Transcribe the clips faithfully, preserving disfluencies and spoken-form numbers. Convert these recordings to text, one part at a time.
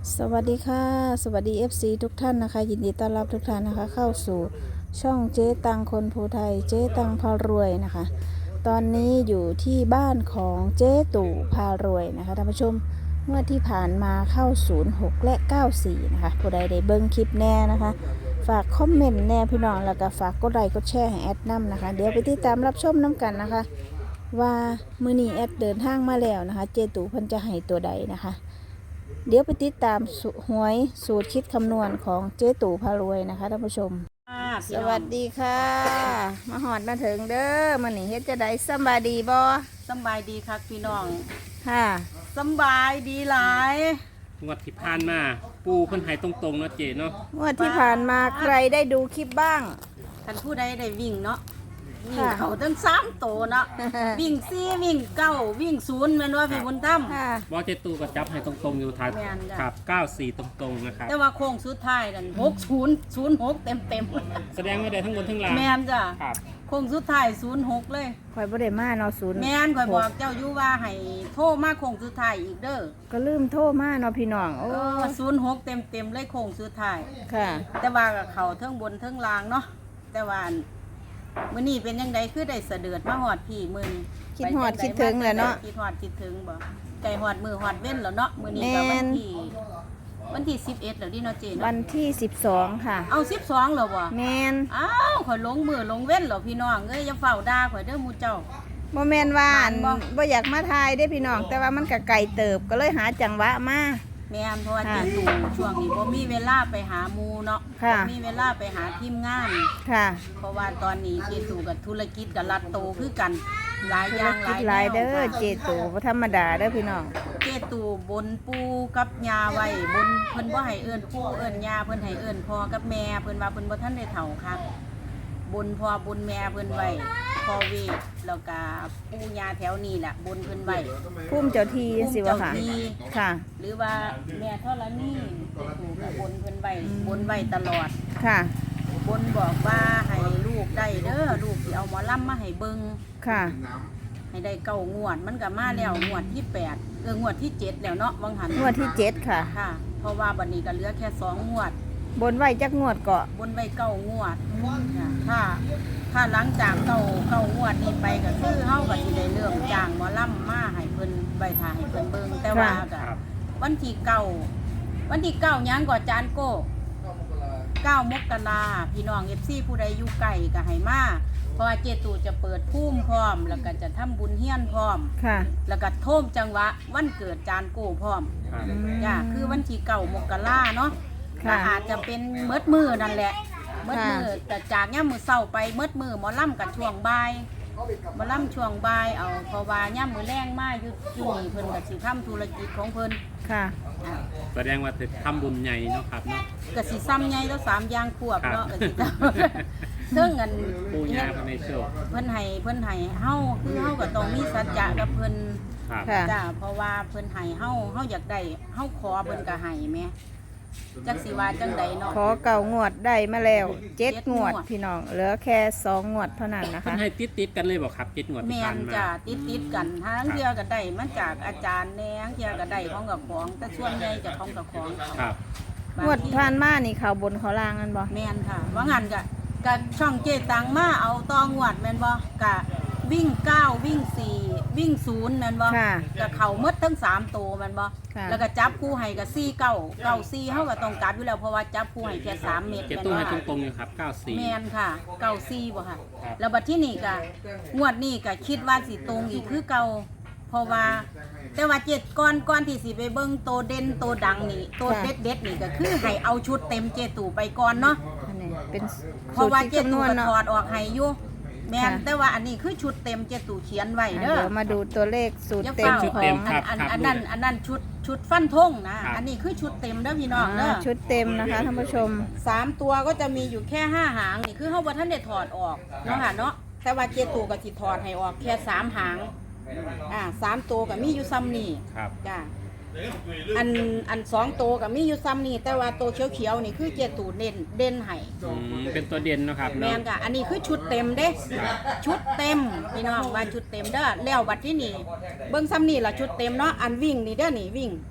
สวัสดีค่ะสวัสดี เอฟ ซี ทุกท่านนะคะยินดีต้อนรับทุกท่านนะคะเข้าสู่ช่องเจ๊ตังคนภูไทยเจ๊ตังพารวยนะคะตอนนี้อยู่ที่บ้านของเจ๊ตู่พารวยนะคะท่านผู้ชมเมื่อที่ผ่านมาเข้าศูนย์หกและเก้าสี่นะคะผู้ใดได้เบิ้งคลิปแน่นะคะฝากคอมเมนต์แน่พี่น้องแล้วก็ฝากกดไลค์กดแชร์ให้แอดน้ำนะคะเดี๋ยวไปติดตามรับชมน้ำกันนะคะว่ามื้อนี้แอดเดินทางมาแล้วนะคะเจ๊ตู่เพิ่นจะให้ตัวใดนะคะเดี๋ยวไปติดตามหวยสูตรคิดคำนวณของเจ๊ตู่พารวยนะคะท่านผู้ชมสวัสดีค่ะมาหอดมาถึงเด้อมันนี่เฮ็ดจะได้สบายดีบ่สบายดีครับพี่น้องค่ะสบายดีหลายงวดที่ผ่านมาปูเพิ่นให้ตรงๆเนาะเจเนาะงวดที่ผ่านมาใครได้ดูคลิปบ้างท่านผู้ใดได้วิ่งเนาะวิ่งค่ะเขาตั้งสามโตเนาะ วิ่งสี่วิ่งเก้าวิ่งศูนย์แม่นว่าพี่บุญธรรมค่ะบ่เจตูก็จับให้ตรงๆอยู่ท้ายแม่นจ้ะครับเก้าสี่ตรงๆนะครับแต่ว่าโค้งสุดท้ายนั่นหกศูนย์ศูนย์หกเต็มเต็มแสดงว่าได้ทั้งบนทั้งล่างแม่นจ้ะครับโค้งสุดท้ายศูนย์หกเลยข่อยบ่ได้มาเนาะศูนย์แม่นข่อยบอกเจ้าอยู่ว่าให้โทรมาโค้งสุดท้ายอีกเด้อก็ลืมโทรมาเนาะพี่น้องโอ้เออศูนย์หกเต็มเต็มเลยโค้งสุดท้ายค่ะแต่ว่ากับเขาเทิงบนเทิงล่างเนาะแต่ว่ามื้อนี้เป็นยังไงคือได้เสด็จมาฮอดพี่มื้อนี้คิดฮอดคิดถึงแหละเนาะคิดฮอดคิดถึงบ่ไก่ฮอดมือฮอดเว้นแล้วเนาะมื้อนี้ก็แม่วันนที่วันที่สิบเอ็ดแล้วดิเนาะเจวัเนาะนที่สิบสองค่ะเอาสิบสองแล้วบ่แมนอ้าวข่อยลงมือลงเว้นแล้วพี่น้องเอ้ยอย่าเฝ้าด่าข่อยเด้อหมู่เจ้าบ่แมนว่าอันบ่บ่อยากมาทายได้พี่น้อง แต่ว่ามันก็ไกลเติบก็เลยหาจังหวะมาแม่นเพราะว่าเจค่ะตู่ช่วงนี้บ่มีเวลาไปหาหมู่เนาะค่ะบ่มีเวลาไปหาทีมงานค่ะเพราะว่าตอนนี้เจตู่กับธุรกิจกับรัดโตคือกันหลายอธุรย่างหกิลาจยหลายเด้อแนวเจตู่บ่ธรรมดาเด้อพี่น้องเจตู่บนปูกับยาไว้บนเพิ่นบ่ให้เอิ้นปู่เอิ้นยาเพิ่นให้เอิ้นพ่อกับแม่เพิ่นว่าเพิ่นบ่ทันได้เฒ่าค่ะบนพ่อบนแม่เพิ่นไว้พ่อเวทแล้วก็ปู่ย่าแถวนี้แหละบนเพิ่นไว้ภูมิเจ้าที่สิวะค่ะภูมิเจ้าที่ค่ะหรือว่าแม่ธรณีเจตู่ก็บนเพิ่นไว้บนไว้ตลอดค่ะบนบอกว่าให้ลูกได้เด้อลูกสิเอาหมอลำมาให้เบิ่งค่ะให้ได้เก้างวดมันก็มาแล้วงวดที่แปดเอองวดที่เจ็ดแล้วเนาะวังหันงวดที่เจ็ดค่ะค่ะ เพราะว่าบัดนี้ก็เหลือแค่สองงวดบนไว้จักงวดเกาะบนใบเก้างวดค่ะถ้าถ้าหลังจากเก้าเก้างวดนี้ไปก็คือเฮาก็สิได้เริ่มจ้างหมอลำมาให้เพิ่นใบถ่ายให้เพิ่นเบิ่งแต่ว่าก็ครับวันที่เก้าวันที่เก้าหยังก็จานโก้เก้ามกราพี่น้อง เอฟ ซี ผู้ใดอยู่ไกลก็ให้มาเพราะว่าเจตูจะเปิดพุ่มพร้อม แล้วก็จะทำบุญเฮียนพร้อมค่ะแล้วก็โทมจังหวะวันเกิดจานโก้พร้อมครับจ้าคือวันที่เก้ามกราเนาะค่ะก็อาจจะเป็นเมิดมือนั่นแหละเมิดมือแต่จากย่ามมือเศร้าไปเมิดมือหมอล่ำกับช่วงบ่ายหมอล่ำช่วงบ่ายเอาเพราะว่าย่ามมือแรงมาอยู่อยู่นี่เพิ่นก็สิทำธุรกิจของเพิ่นค่ะอ่ะแสดงว่าจะทำบุญใหญ่เนาะครับเนาะก็สิซ้ำใหญ่แล้วสามอย่างควบครับเนาะก็สิทำ ซึ่งอันปูยาภายในโชคเพิ่นให้เพิ่นให้เฮาคือเฮาก็ต้องมีสัจจะกับเพิ่นครับค่ะจ้าเพราะว่าเพิ่นให้เฮาเฮาอยากได้เฮาขอเพิ่นก็ให้แหมจักสิว่าจังใดเนาะขอเก่างวดได้มาแล้วเจ็ดเจ็ดงวดงวดพี่น้อง เหลือแค่สองงวดเท่านั้นนะเพิ่นคะให้ติดๆกันเลยบ่ครับเจ็ดงวดที่แม่ผ่าน นมาจ้าติดติดๆกันทั้งเทื่อก็ได้มาจากอาจารย์แหน่ทั้งเทื่อก็ได้ของกับของ แต่ส่วนใหญ่จะของกับของครับบางงวดทีผ่านมานี่เขาบนเขาล่างกันบ่แม่นค่ะ ว่างั้นก็ก็ช่องเจตังมาเอาตองวดแม่นบ่ก็วิ่งเก้าวิ่งสี่วิ่งศูนย์แม่นบ่ค่ะก็เข้าหมดทั้งสามตัวแม่นบ่ค่ะแล้วก็จับคู่ให้ก็สี่เก้าเก้าสี่เฮาก็ต้องกลับอยู่แล้วเพราะว่าจับคู่ให้แค่สามเม็ดเจแม่นตูบ่ให้ค่ะตรงๆอยู่ครับเก้าสี่แมนค่ะเก่าซีบ่ค่ะครับแล้วบัดที่นี่ก็งวดนี้ก็คิดว่าสิตรงอีกคือเก่าเพราะว่า แต่ว่าเจ็ดก้อนก้อนที่สิไปเบิ่งโตเด่นโตดังนี่โตเด็ดเด็ดๆนี่ก็คือให้เอาชุดเต็มเจตู่ไปก่อนเนาะอันนี้เป็นเพสูราะตรว่าคิดเจคำนตู่วณก็เนาะถอดออกให้อยู่แม่นค่ะแต่ว่าอันนี้คือชุดเต็มเจตู่เขียนไว้อ่ะเด้อเดี๋ยวมาดูตัวเลขสูตรอย่าเต็มเฝ้าของอันอันอันนั้นอันนั้นชุดชุดฟันธงนะอันนี้คือชุดเต็มเด้อพี่น้องเด้ออ่าชุดเต็มนะคะท่านผู้ชมสามตัวก็จะมีอยู่แค่ห้าหางนี่คือเขาบ่ท่านได้ถอดออกเนาะค่ะเนาะแต่ว่าเจตูก็สิถอดให้ออกแค่สามหางอ่าสามตัวก็มีอยู่ซ้ำนี่ครับจ้าอันอันสองตัวก็มีอยู่ซ้ำนี่แต่ว่าตัวเขียวๆนี่คือเจตูเด่นเด่นให้อืมเป็นตัวเด่นเนาะครับแมเนาะนค่ะอันนี้คือชุดเต็มเด้ชุดเต็มพี่น้องว่าชุดเต็มเด้อแล้วบัดที่นี่เบิ่งซ้ำนี่ล่ะชุดเต็มเนาะอันวิ่งนี่เด้อนี่วิ่ง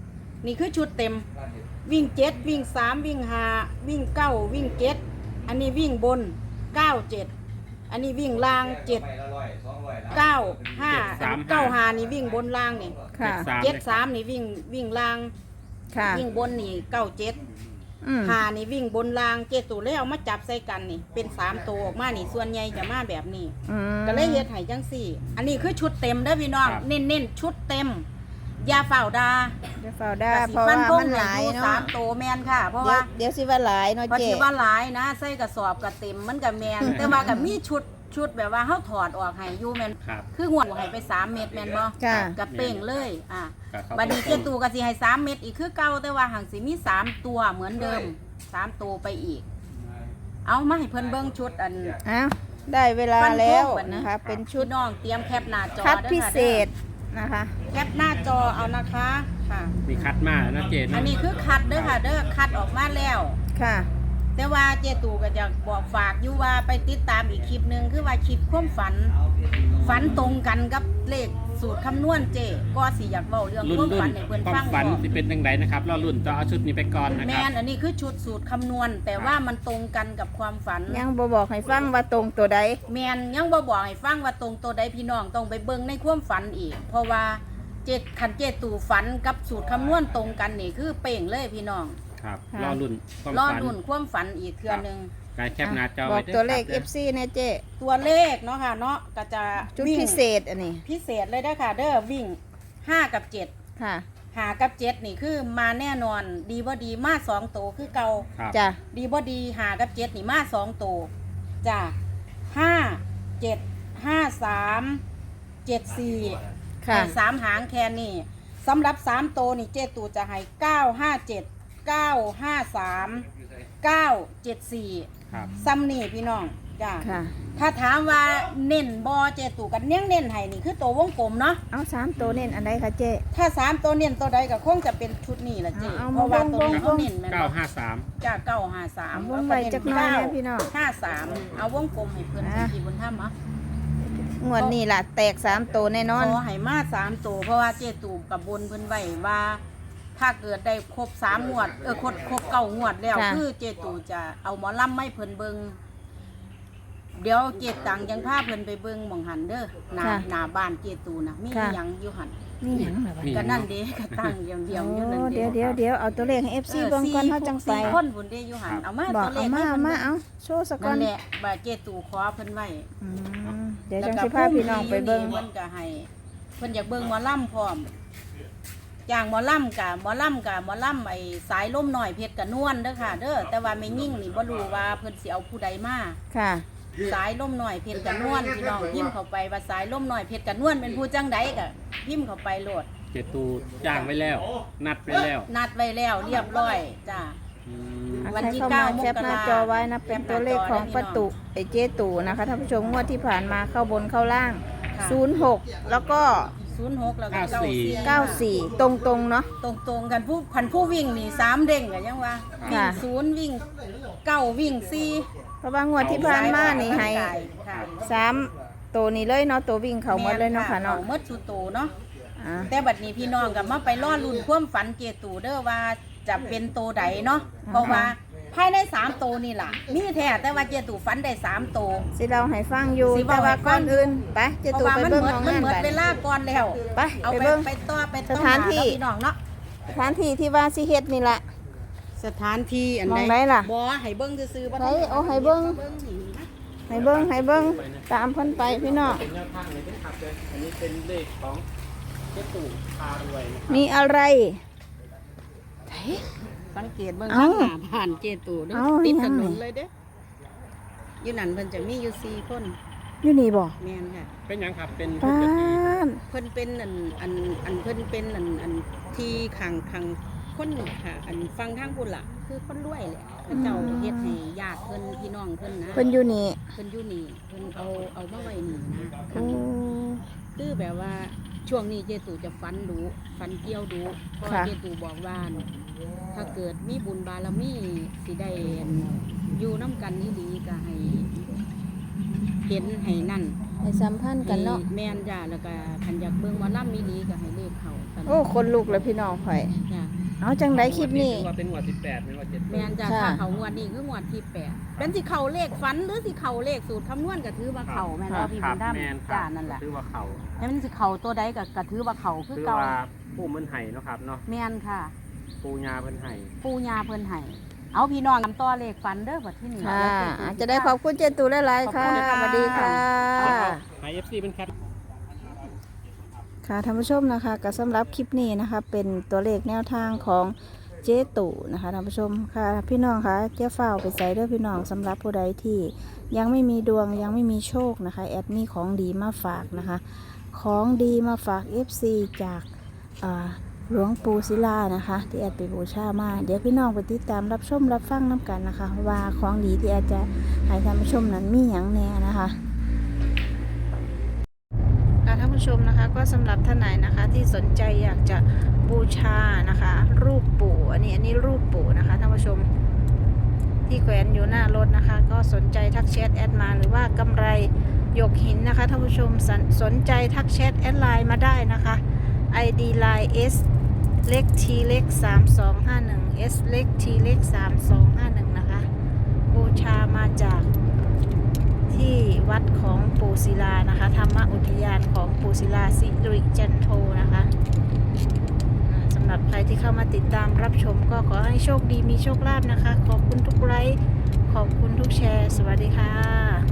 นี่คือชุดเต็มวิ่งเจ็ดวิ่งสามวิ่งห้าวิ่งเก้าวิ่งเจ็ดอันนี้วิ่งบนเก้าเจ็ดอันนี้วิ่งล่างเจ็ดเก้าห้าเก้าห้านี่วิ่งบนล่างนี่ค่ะเจ็ดสามนี่วิ่งวิ่งล่างค่ะวิ่งบนนี่เก้าเจ็ดอืมห้านี่วิ่งบนล่างเจ็ดตัวแล้วเอามาจับใส่กันนี่เป็นสามตัวออกมานี่ส่วนใหญ่จะมาแบบนี้อืมก็เลยเฮ็ดให้จังสี่ อันนี้คือชุดเต็มเด้อพี่น้องครับเน้นๆชุดเต็มอยาเฝ้าดาเดี๋ยวเฝ้าได้กะสิเพราะฟัว่านธงมันหลายให้อยู่เนาะสามตัวแมนค่ะ เพราะเดี๋ยวว่าเดี๋ยวสิว่าหลายเนาะเพราะเจ๊ที่ว่าหลายนะใส่กระสอบกระเต็มมันกับแมนแต่ว่ากับมีชุดชุดแบบว่าเฮาถอดออกให้อยู่แมนครับคือหัวให้ไปสามเม็ดแมนบ่ค่ะกับเป้งเลยอ่ะครับบัดนี้เจตูก็สิให้สามเม็ดอีกคือเก่าแต่ว่าหังสิมีสามตัวเหมือนเดิมสามตัวไปอีก เอามาให้เพิ่นเบิ่งชุดอันอ้าวได้เวลาฟันธงแล้วบัดนี้นะคะ เป็นชุดพี่น้องเตรียมแคปหน้าจอคัดด้อพิค่ะเศษนะคะแคปหน้าจอเอานะคะค่ะมีคัดมาแล้วนะเจนอันนี้คือคัดเด้อค่ะเด้อคัดออกมาแล้วค่ะแต่ว่าเจตูก็จะบอกฝากอยู่ว่าไปติดตามอีกคลิปหนึ่งคือว่าคลิปความฝัน ฝันตรงกันกับเลขสูตรคำนวณเจก็สิอยากเว้าเรื่องรุ่นความรุ่ฝันนให้เพิ่นความฟังฝันบ่ที่เป็นยังไงนะครับเรารุ่นต้องเอาชุดนี้ไปก่อนนะแมครับนอันนี้คือชุดสูตรคำนวณ แต่ว่ามันตรงกันกับความฝันยังบ่บอกให้ฟังว่าตรงตัวใดแมนยังบ่บอกให้ฟังว่าตรงตัวใดพี่น้องต้องไปเบิ่งในความฝันอีก เพราะว่าเจ็ดคันเจตูฝันกับสูตรคำนวณตรงกันนี่คือเป่งเลยพี่น้องครับค่ะรอรุ่นความรอฝันรุ่นความฝันอีกเทื่อหนึงการแคปหน้าจอบอกไว้ด้วยตัวเลขครับเอฟ ซีเนี่ยเจ๊ตัวเลขเนาะค่ะเนาะก็จะชุดวิ่งพิเศษอันนี้พิเศษเลยได้อค่ะ เด้อวิ่งห้ากับเจ็ดค่ะหากับเจ็ดนี่คือมาแน่นอน ดีบ่ดีมาสองตัวคือเก่าครับจ้ะดีบ่ดีหากับเจ็ดนี่มาสองตัวจ้ะห้าเจ็ดห้าสามเจ็ดสี่ค่ะสามหางแค่นี้สำหรับสามตัวนี่เจตูจะให้เก้าห้าเจ็ดเก้าห้าสามเก้าเจ็ดสี่ครับซ้ำนี่พี่น้องจ้ะค่ะถ้าถามว่าเน้นบอเจตูกันเน้นเน้นให้นี่คือตัววงกลมเนาะเอาสามตัวเน้นอันใดคะเจ๊ถ้าสามตัวเน้นตัวใดก็คงจะเป็นชุดนี้ละเจเอาเพราะว่าตัวนี้วเขางๆเน้นแม่นเก้าบ่ห้าสามจ้าเก้าห้าสามเอาวงไว้จักหน่อยนะพี่น้องห้าสามเอาวงกลมให้เพื่อนอ่ะที่บนถ้ำอ่ะงวดนี้ล่ะ แตกสามตัวแน่นอนขอให้มาสามตัวเพราะว่าเจตูกับบนเพิ่นไว้ว่า ถ้าเกิดได้ครบสามงวดเออครบครบเก้างวดแล้วค่ะคือเจตูจะเอาหมอลำไม่เพิ่นเบิงเดี๋ยวเจตังยังพาเพิ่นไปเบิงหมองหันเด้อหน้าค่ะหน้าบ้านเจตูนะมีค่ะหยังอยู่หันนี่หยังเหรอวะมีก็นั่นเด้ก็ตั้งเดียวเดียวอยู่นั่นโอ้เด้เดี๋ยวเดี๋ยวเดี๋ยวเอาตัวเลขให้เอฟซีเบิ่งก่อนเขาจังไปสี่คนบุญเด้อยู่หันเอามาบอกตัวเลเอาขมาให้เอาเพิ่นมาเบิ่งเอาโชว์สะก่อนั่นนแหละบาเจตูขอเพิ่นไว้อืมเดี๋ยวจังสิพาพี่น้องไปเบิ่งเพิ่นก็ให้เพิ่นอยากเบิ่งหมอลำพร้อมจ้างหมอลำกับหมอลำกับหมอลำไอ้สายล่มหน่อยเพชรกับนวลเด้อค่ะ เด้อแต่ว่าไม่ยิ่งนี่บ่รู้ว่าเพิ่นสิเอาผู้ใดมาค่ะสายล่มหน่อยเพชรกับนวลพี่น้องพิมพ์เข้าไปว่าสายล่มหน่อยเพชรกับนวลเป็นผู้จังใดก็พิมพ์เข้าไปโหลดเจตูจ้างไว้แล้ว นัดไว้แล้วนัดไว้แล้วเรียบร้อยจ้าอืมอ่ะวันใครที่เข้ามาเก้ามกราแคปหน้าจอไว้นะเป็นตัวเลขของประตูไอเจตูนะคะท่านผู้ชมงวดที่ผ่านมาเข้าบนเข้าล่างค่ะศูนย์หกแล้วก็ศูนย์หกแล้วก็เก้าสี่เก้าสี่ตรงตรงๆเนาะตรงตรงๆกันผู้พันผู้วิ่งนี่สามเด้งกันยังว่าวิ่ค่ะงศูนย์วิ่งเก้าวิ่งสี่เพราะว่างวดที่ผ่านมานี่ให้ค่ะสามตัวนี้เลยเนาะตัววิ่งเขาหมดเลยเนาะค่ะเนาะเขาหมดสุโตเนาะอ่าแต่บัดนี้พี่น้องกับมาไปล่อลุ่นความฝันเจตูเด้อว่าจะเป็นโตใดเนาะเพราะว่าภายในสามโตนี่ล่ะมีแท้แต่ว่าเจตูฝันได้สามโตสิเราให้ฟังอยู่สิแต่เว้าว่าให้ฟังก่อนอื่นไปเจเพตูราะว่าไปมันเบิ่งหมดของมันงานหมดไปเวลาก่อนแล้วไปเอาไปไปเบิ่งไปต่อไปสถานที่ต่อหพี่น้องเนาะสถานที่ที่ว่าสิเฮ็ดนี่ล่ะสถานที่อันมองไหนล่ะบ่ให้เบิ่งซื่อๆบ่ไหนเอาให้เบิ่งเบิ่งนี่นะให้เบิ่งให้เบิ่งตามเพิ่นไปพี่น้องเป็นแนวทางเลยนะครับเลยอันนี้เป็นเลขของเจตูพารวยนะครับมีอะไรสังเกตเบิ่งเอ้าข้างหน้าผ่านเจตูเด้อเอ้าติดอีหยัถงนนี่นเลยเด้ออยู่นั่นเพิ่นจะมีอยู่สี่คนอยู่นี่บ่แม่นค่ะเป็นหยังครับเป็นป้าปกตินเพิ่นเป็นอันอันอันเพิ่นเป็นอันอันที่ขังขังคนค่ะ อันฟังทางพุ่นล่ะ คือคนรวยแหละเขาเจ้าเฮ็ดให้ญาติเพิ่นพี่น้องเพิ่นนะเพิ่นอยู่นี่เพิ่นอยู่นี่เพิ่นเอาเอามาไว้นี่นะโอ้คือแบบว่าช่วงนี้เจตูจะฟันดูฟันเกี่ยวดูเพราะว่าเจตูบอกว่า ถ้าเกิดมีบุญบารมีสิได้อยู่น้ำกันนี่ดีก็ให้เห็นให้นั่นให้สัมพันธ์กันเนาะแม่นจ้าแล้วก็คันอยากเบิ่งว่าล่ำมีดีก็ให้เลขเขากันโอ้คนลุกเลยพี่น้องข่อยจ้ะเอาจังไดคลิปนี้ถือว่าเป็นงวดสิบแปดเป็นงวดเจ็ดแม่นจะค่ะถ้าเขางวดนี้คืองวดที่แปดเป็นสิเขาเลขฝันหรือสิเขาเลขสูตรคำนวณก็ถือว่าเขาแม่นบ่พี่คบุรับญธรรมแม่นครับจ้านั่นแหละถือว่าเขาแล้วมันสิเขาตัวใดก็ก็ถือว่าเขาคือถือเก่าว่าผู้มันไห้เนาะครับเนาะแม่นค่ะปูญาเพิ่นไห้ปู่ย่าเพิ่นให้เอาพี่น้องนำต่อเลขฝันเด้อบัดที่นี่ค่ะเดี๋ยวเจ๊อาจจะได้ขอบคุณเจตูหลายๆค่ะขอบคุณค่ะสวัสดีค่ะไฮเอฟซีเป็นแคทค่ะท่านผู้ชมนะคะก็สำหรับคลิปนี้นะคะ เป็นตัวเลขแนวทางของเจ๊ตู่นะคะท่านผู้ชมค่ะพี่น้องคะเจ๊ฝ้าวไปใส่เด้อพี่น้องสำหรับผู้ใดที่ยังไม่มีดวงยังไม่มีโชคนะคะแอดมีของดีมาฝากนะคะ ของดีมาฝาก เอฟ ซี จากอ่าหลวงปู่ศิลานะคะที่แอดไปบูชามาเดี๋ยวพี่น้องไปติดตามรับชมรับฟังน้ำกันนะคะ ว่าของดีที่แอดจะให้ท่านผู้ชมนั้นมีอย่างแน่นะคะค่ะท่านผู้ชมนะคะก็สำหรับท่านไหนนะคะที่สนใจอยากจะบูชานะคะ รูปปู่อันนี้อันนี้รูปปู่นะคะท่านผู้ชมที่แขวนอยู่หน้ารถนะคะ ก็สนใจทักแชทแอดมาหรือว่ากำไรหยกหินนะคะท่านผู้ชมสนสนใจทักแชทแอดไลน์มาได้นะคะ ไอ ดี ไลน์ S เล็ก T เล็กสามสองห้าหนึ่ง S เล็ก T เล็กสามสองห้าหนึ่งนะคะบูชามาจากที่วัดของปู่ศิลานะคะธรรมอุทยานของปู่ศิลาสิริจันโทนะคะอ่าสำหรับใครที่เข้ามาติดตามรับชมก็ขอให้โชคดีมีโชคลาภนะคะ ขอบคุณทุกไลค์ขอบคุณทุกแชร์ สวัสดีค่ะ